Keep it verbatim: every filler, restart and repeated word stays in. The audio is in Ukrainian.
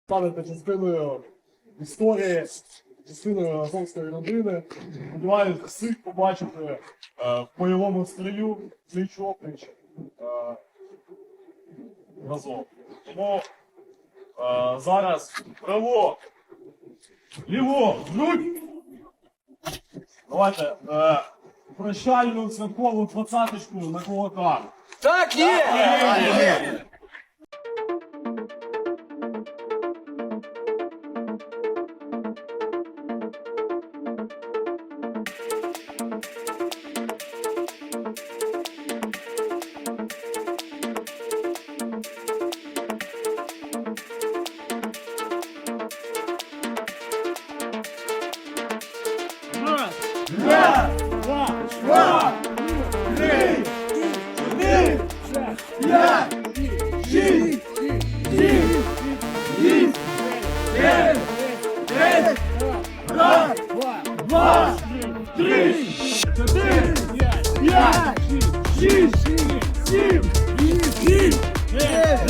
станете частиною історії, частиною азовської родини. Сподіваюсь, всіх побачити е, в бойовому стрію, пліч-опліч е, разом. Тому е, зараз право, ліво, грудь. Давайте е, прощальну святкову двадцяточку на кулаках. Так, є! Є! Раз, два, два, три, чотири, п'ять, шість, сім, вісім, дев'ять, десять, раз, два, три, чотири, п'ять, шість, сім, вісім, дев'ять,